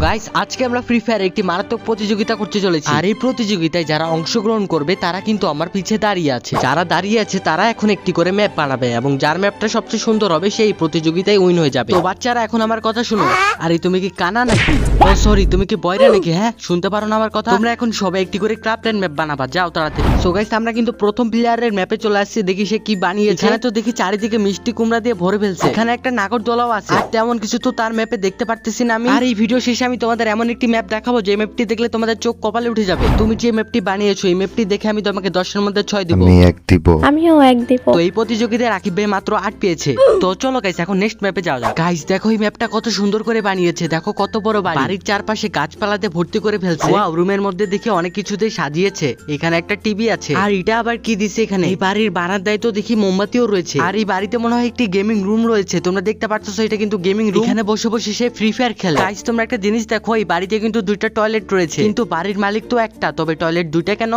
Guys আজকে আমরা free fire একটি মারাত্মক প্রতিযোগিতা করতে চলেছি। আর এই প্রতিযোগিতায় যারা অংশগ্রহণ করবে তারা কিন্তু আমার পিছে দাঁড়িয়ে আছে। যারা দাঁড়িয়ে আছে তারা এখন একটি করে ম্যাপ বানাবে এবং যার ম্যাপটা সবচেয়ে সুন্দর হবে সেই প্রতিযোগিতায় উইন হয়ে যাবে। তো বাচ্চারা এখন আমার কথা শুনো। আরে তুমি কি কানা নাকি? ও সরি, তুমি কি বয়রা নাকি? হ্যাঁ, শুনতে পারো না আমার কথা? তোমরা এখন সবাই একটি করে ক্রাফটেড ম্যাপ বানাবা, যাও তাড়াতাড়ি। সো গাইস আমরা কিন্তু প্রথম প্লেয়ারের ম্যাপে চলে আসছি। দেখি সে কি বানিয়েছে। এখানে তো দেখি চারিদিকে মিষ্টি কুমড়া দিয়ে ভরে ফেলছে। এখানে একটা নাগরদোলাও আছে। আর তেমন কিছু তো তার ম্যাপে দেখতে পারতেছি না আমি। আর এই ভিডিও শেষে আমি তোমাদের এমন একটি ম্যাপ দেখাবো যে ম্যাপটি দেখলে তোমাদের চোখ কপালে উঠে যাবে। তুমি যে ম্যাপটি বানিয়েছো এই ম্যাপটি দেখে আমি তোমাকে 10 এর মধ্যে 6 দিব। আমি 1 দিব। আমিও 1 দিব। তো এই প্রতিযোগিতায় রাকিব ভাই মাত্র 8 পেয়েছে। তো চলো গাইস এখন নেক্সট ম্যাপে যাওয়া যাক। গাইস দেখো এই ম্যাপটা কত সুন্দর করে বানিয়েছে। দেখো কত বড় বাড়ি। বাড়ির চারপাশে গাছপালাতে ভর্তি করে ফেলছে। ওয়াও, রুমের মধ্যে দেখি অনেক কিছুতে সাজিয়েছে। এখানে একটা টিভি আছে। আর এটা আবার কি দিছে এখানে? এই বাড়ির বারান্দায় তো দেখি মোমবাতিও রয়েছে। আর এই বাড়িতে মনে হয় একটি গেমিং রুম রয়েছে। তোমরা দেখতে পাচ্ছ এটা কিন্তু গেমিং রুম। এখানে বসে বসে সে ফ্রি ফায়ার খেলে। গাইস তোমরা একটা জিনিস দেখো, এই বাড়িতে কিন্তু 2টা টয়লেট রয়েছে। কিন্তু বাড়ির মালিক তো একটা, তবে টয়লেট 2টা কেন?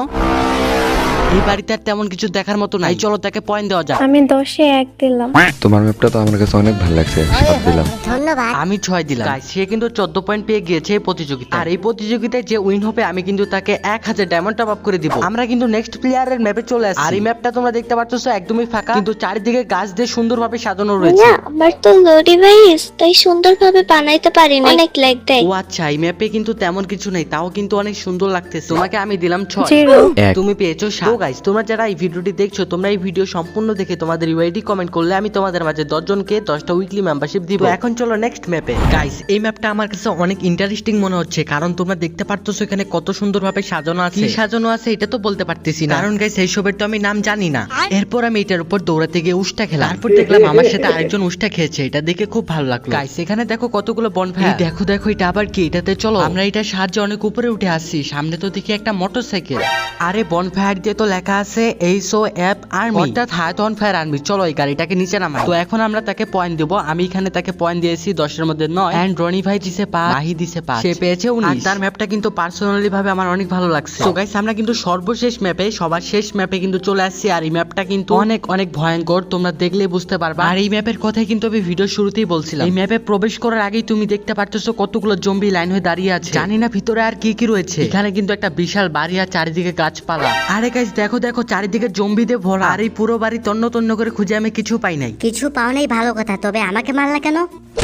এই বাড়িতে আর তেমন কিছু দেখার মতো নাই। চলো তাকে পয়েন্ট দেওয়া যাক। আমি 10-এ 1 দিলাম। তোমার ম্যাপটা তো আমার কাছে অনেক ভালো লাগছে, 7 দিলাম। ধন্যবাদ। আমি 6 দিলাম। গাইস সে কিন্তু 14 পয়েন্ট পেয়ে গিয়েছে এই প্রতিযোগিতায়। আর এই প্রতিযোগিতায় যে উইন হবে আমি কিন্তু তাকে 1000 ডায়মন্ড টপ আপ করে দিব। আমরা কিন্তু নেক্সট প্লেয়ারের ম্যাপে চলে আসছি। আর এই ম্যাপটা তোমরা দেখতে পাচ্ছ একদমই ফাঁকা, কিন্তু চারিদিকে গাছ দিয়ে সুন্দরভাবে সাজানো রয়েছে। না, আমার তো লো ডিভাইস, তাই সুন্দরভাবে বানাইতে পারি না, অনেক ল্যাগ দেয়। ও আচ্ছা, এই ম্যাপে কিন্তু তেমন কিছু নেই, তাও কিন্তু অনেক সুন্দর লাগতেছে। তোমাকে আমি দিলাম 6, 0 তুমি পেয়েছো 7। তো গাইস তোমরা যারা এই ভিডিওটি দেখছো তোমরা এই ভিডিও সম্পূর্ণ দেখে তোমাদের ইউআইডি কমেন্ট করলে আমি তোমাদের মাঝে 10 জনকে 10টা উইকলি মেম্বারশিপ দিব। এখন চলো নেক্সট ম্যাপে। গাইস এই ম্যাপটা আমার কাছে অনেক ইন্টারেস্টিং মনে হচ্ছে, কারণ তোমরা দেখতে পারতেছো এখানে কত সুন্দরভাবে সাজানো আছে। কি সাজানো আছে এটা তো বলতে পারতেছি না, কারণ গাইস এইসবের তো আমি নাম জানি না। এরপর আমি এটার উপর দৌড়াতে গিয়ে উষ্টা খেলাম। তারপর দেখলাম আমার সাথে আরেকজন উষ্টা খেয়েছে, এটা দেখে খুব ভালো লাগলো। গাইস এখানে দেখো কতগুলো বনফায়ার। দেখো দেখো এটা আবার কি? এটাতে চলো আমরা এটার সাহায্যে অনেক উপরে উঠে আসছি। সামনে তো দেখি একটা মোটরসাইকেল। আরে বনফায়ার দিয়ে তো লেখা আছে এইসো অ্যাপ আর্মি, অর্থাৎ হায়াত অন ফায়ার আর্মি। চলো এই গাড়িটাকে নিচে নামাই। তো এখন আমরা তাকে পয়েন্ট দেব। আমি এখানে তাকে পয়েন্ট দিয়েছি 10 এর মধ্যে 9। এন্ড রনি ভাই দিছে 5, মাহি দিছে 5, সে পেয়েছে 19। আর তার ম্যাপটা কিন্তু পার্সোনালি ভাবে আমার অনেক ভালো লাগছে। সো গাইস আমরা কিন্তু সর্বশেষ ম্যাপে, সবার শেষ ম্যাপে কিন্তু চলে আসছি। আর এই ম্যাপটা কিন্তু অনেক অনেক ভয়ঙ্কর, তোমরা দেখলেই বুঝতে পারবা। আর এই ম্যাপের কথাই কিন্তু আমি ভিডিও শুরুতেই বলছিলাম। এই ম্যাপে প্রবেশ করার আগেই তুমি দেখতে পাচ্ছো কতগুলো জম্বি লাইন হয়ে দাঁড়িয়ে আছে। জানি না ভিতরে আর কি কি রয়েছে। এখানে কিন্তু একটা বিশাল বাড়ি আর চারিদিকে গাছপালা। আরে গাইস দেখো দেখো চারিদিকে জম্বি দিয়ে ভরা। আর এই পুরো বাড়ি তন্ন তন্ন করে খুঁজে আমি কিছু পাই নাই। কিছু পাও নাই ভালো কথা, তবে আমাকে মারলা কেন?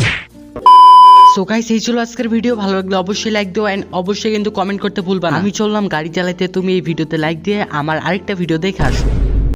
সো গাইস এই ছিল আজকের ভিডিও। ভালো লাগলে অবশ্যই লাইক দিও এন্ড অবশ্যই কিন্তু কমেন্ট করতে ভুলবা না। আমি চললাম গাড়ি চালাতে, তুমি এই ভিডিওতে লাইক দিয়ে আমার আরেকটা ভিডিও দেখে আসো।